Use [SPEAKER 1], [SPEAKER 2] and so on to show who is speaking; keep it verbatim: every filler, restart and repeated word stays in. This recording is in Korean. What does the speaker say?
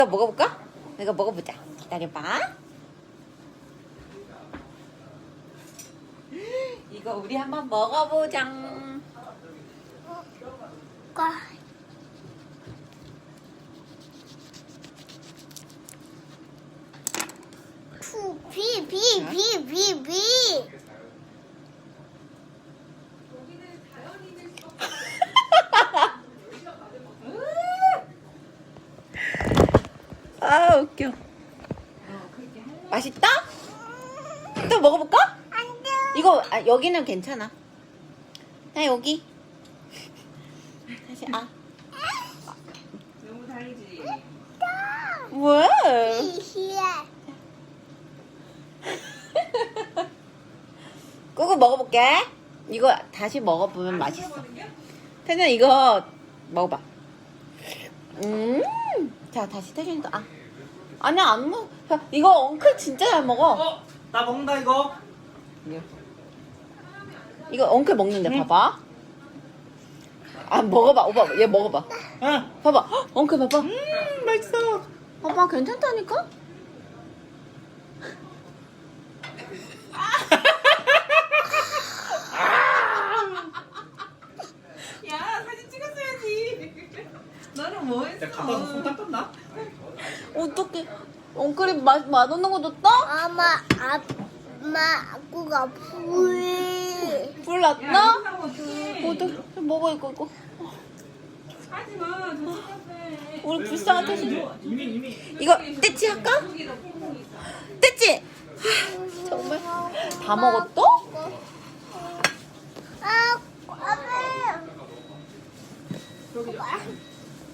[SPEAKER 1] 또 먹어볼까? 이거 먹어보자. 기다려봐. 이거 우리 한번 먹어보자.
[SPEAKER 2] 과. 푸, 비, 비, 비, 비, 비.
[SPEAKER 1] 아 웃겨. 맛있다? 또 먹어볼까?
[SPEAKER 2] 안 돼.
[SPEAKER 1] 이거 아, 여기는 괜찮아. 나 여기. 다시 아.
[SPEAKER 3] 너무 다르지.
[SPEAKER 1] 뭐야?
[SPEAKER 2] 이시야.
[SPEAKER 1] 꾸꾸 먹어볼게. 이거 다시 먹어보면 맛있어. 태준아 이거 먹어봐. 음. 자 다시 태준이도 아. 아니야 안 먹. 야, 이거 엉클 진짜 잘 먹어.
[SPEAKER 3] 어, 나 먹는다 이거.
[SPEAKER 1] 이거 엉클 먹는데 봐봐. 아 먹어봐 오빠 얘 먹어봐.
[SPEAKER 3] 응.
[SPEAKER 1] 봐봐 헉, 엉클 봐봐.
[SPEAKER 3] 음, 맛있어.
[SPEAKER 1] 봐봐 괜찮다니까?
[SPEAKER 3] 야, 사진 찍었어야지. 너는 뭐 했어? 내가 갖다 줬어. 손 닦았나?
[SPEAKER 1] 어떡해. 엉클이 맛, 맛없는 거 줬다?
[SPEAKER 2] 엄마, 아빠, 아구가 불.
[SPEAKER 1] 불
[SPEAKER 3] 야,
[SPEAKER 1] 났나?
[SPEAKER 3] 이거 하면 어떡해.
[SPEAKER 1] 어떡해. 먹어 이거 이거.
[SPEAKER 3] 하지 마. 저 찍었어.
[SPEAKER 1] 우리 불쌍한 태준이.
[SPEAKER 3] 이미 이미.
[SPEAKER 1] 이거 떼치 할까?
[SPEAKER 3] 여기다 퐁퐁 있어.
[SPEAKER 1] 떼치! 하, 정말 다 먹었어?
[SPEAKER 2] 아, 아빠.
[SPEAKER 3] 여기.